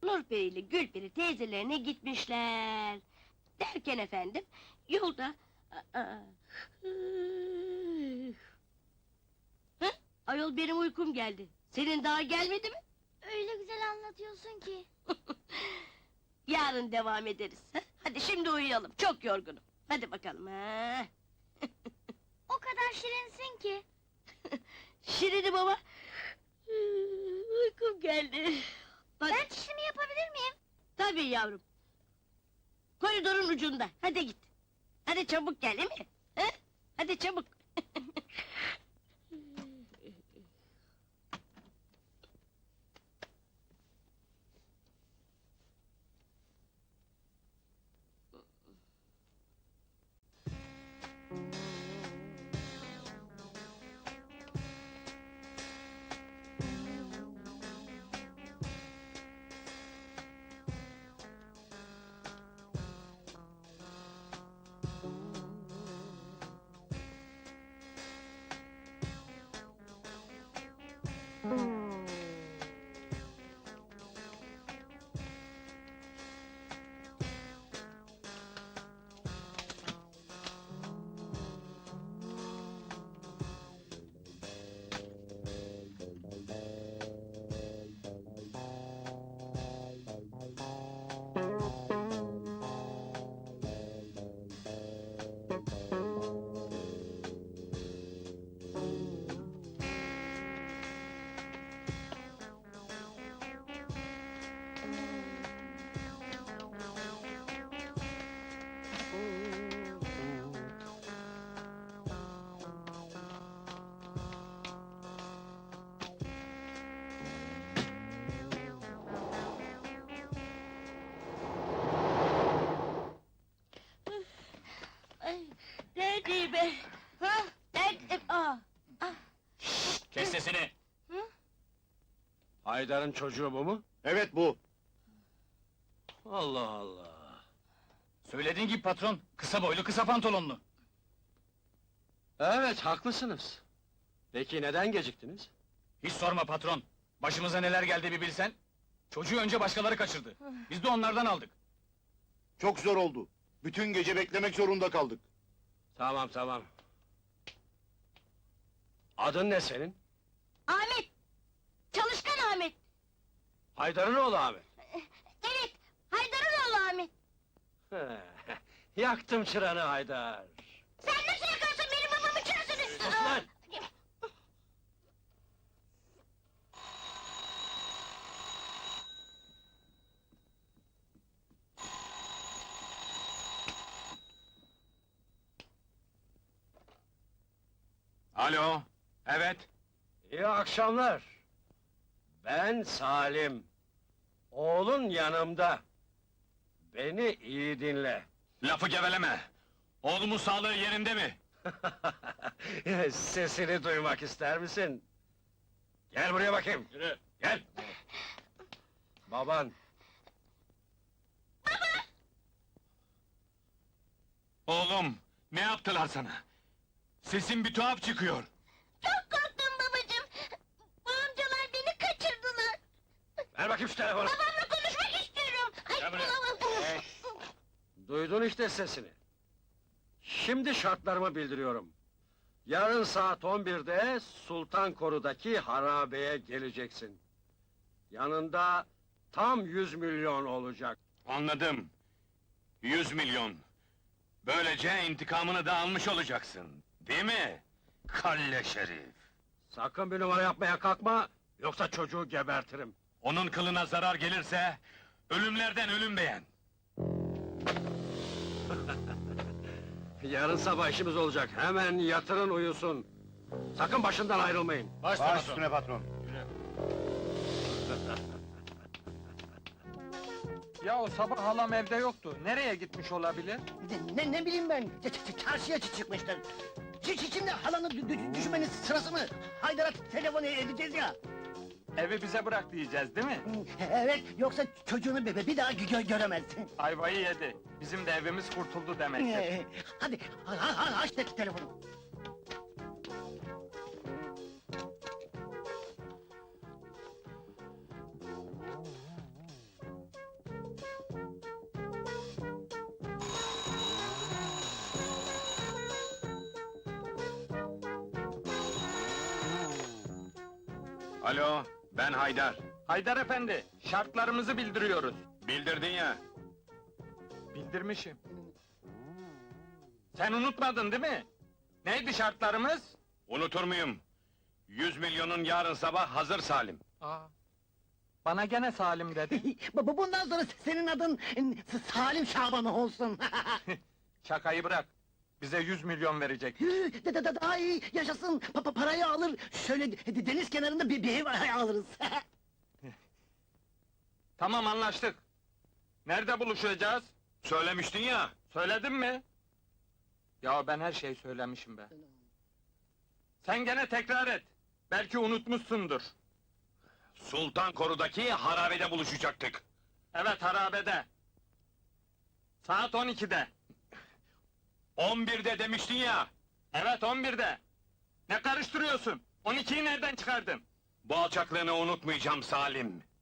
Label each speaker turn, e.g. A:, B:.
A: Nurperi ile Gülperi teyzelerine gitmişler. Derken efendim, yolda... Hı? Ayol benim uykum geldi. Senin daha gelmedi mi?
B: Öyle güzel anlatıyorsun ki.
A: Yarın devam ederiz. Ha? Hadi şimdi uyuyalım, çok yorgunum. Hadi bakalım ha.
B: O kadar şirinsin ki.
A: Şirinim ama... Uykum geldi. Hadi.
B: Ben çişimi yapabilir miyim?
A: Tabii yavrum. Koridorun ucunda, hadi git. Hadi çabuk gel, değil mi? Ha? Hadi çabuk. Ay, neredeyim ben? Ha? Nerede?
C: Kes sesini!
A: Hı?
D: Haydar'ın çocuğu bu mu?
E: Evet bu.
D: Allah Allah!
C: Söylediğin gibi patron, kısa boylu, kısa pantolonlu.
D: Evet, haklısınız. Peki neden geciktiniz?
C: Hiç sorma patron, başımıza neler geldi bir bilsen. Çocuğu önce başkaları kaçırdı, biz de onlardan aldık.
E: Çok zor oldu. Bütün gece beklemek zorunda kaldık.
D: Tamam, tamam. Adın ne senin?
A: Ahmet! Çalışkan Ahmet!
D: Haydar'ın oğlu abi.
A: Evet, Haydar'ın oğlu Ahmet!
D: Yaktım çıranı Haydar!
A: Sen nasıl yakarsın benim babamın çırasını?
D: Sus lan!
C: Alo, evet.
D: İyi akşamlar! Ben Salim. Oğlun yanımda. Beni iyi dinle.
C: Lafı geveleme! Oğlumun sağlığı yerinde mi?
D: Sesini duymak ister misin? Gel buraya bakayım.
C: Yürü!
D: Gel! Baban.
C: Oğlum, ne yaptılar sana? Sesin bir tuhaf çıkıyor.
A: Çok korktum babacığım! Bu amcalar beni kaçırdılar!
D: Ver bakayım şu telefonu.
A: Babamla konuşmak istiyorum! Ay,
C: Gel buraya.
A: bulamam.
D: Duydun işte sesini. Şimdi şartlarımı bildiriyorum. Yarın saat 11'de Sultan Koru'daki harabeye geleceksin. Yanında tam 100 milyon olacak.
C: Anladım. 100 milyon. Böylece intikamını da almış olacaksın. Değil mi? Kalle şerif!
D: Sakın bir numara yapmaya kalkma, yoksa çocuğu gebertirim.
C: Onun kılına zarar gelirse, ölümlerden ölüm beğen!
D: Yarın sabah işimiz olacak, hemen yatırın uyusun. Sakın başından ayrılmayın.
C: Baş
E: Baş üstüne patron.
F: Ya o sabah halam evde yoktu. Nereye gitmiş olabilir?
G: Ne bileyim ben, çarşıya çıkmışlar. Şimdi halanı düşmenin sırası mı? Haydar'a telefon edeceğiz ya.
F: Evi bize bırak diyeceğiz değil mi?
G: Evet, yoksa çocuğunu bir daha göremezsin.
F: Ayvayı yedi. Bizim de evimiz kurtuldu demek ki.
G: Hadi, aç telefonu.
D: Alo, ben Haydar.
F: Haydar efendi, şartlarımızı bildiriyoruz.
D: Bildirdin ya.
F: Bildirmişim. Sen unutmadın değil mi? Neydi şartlarımız?
D: Unutur muyum? 100 milyonun yarın sabah hazır Salim.
F: Aa, bana gene Salim dedi.
G: Bundan sonra senin adın Salim Şaban olsun.
F: Şakayı bırak. Bize 100 milyon verecek.
G: Daha iyi yaşasın. Parayı alır. Şöyle deniz kenarında bir ev alırız.
F: Tamam, anlaştık. Nerede buluşacağız?
D: Söylemiştin ya.
F: Söyledim mi? Ya ben her şeyi söylemişim be. Sen gene tekrar et. Belki unutmuşsundur.
D: Sultan Koru'daki harabede buluşacaktık.
F: Evet, harabede. Saat 12'de.
D: 11'de demiştin ya.
F: Evet, 11'de. Ne karıştırıyorsun? 12'yi nereden çıkardın?
D: Bu alçaklığını unutmayacağım Salim.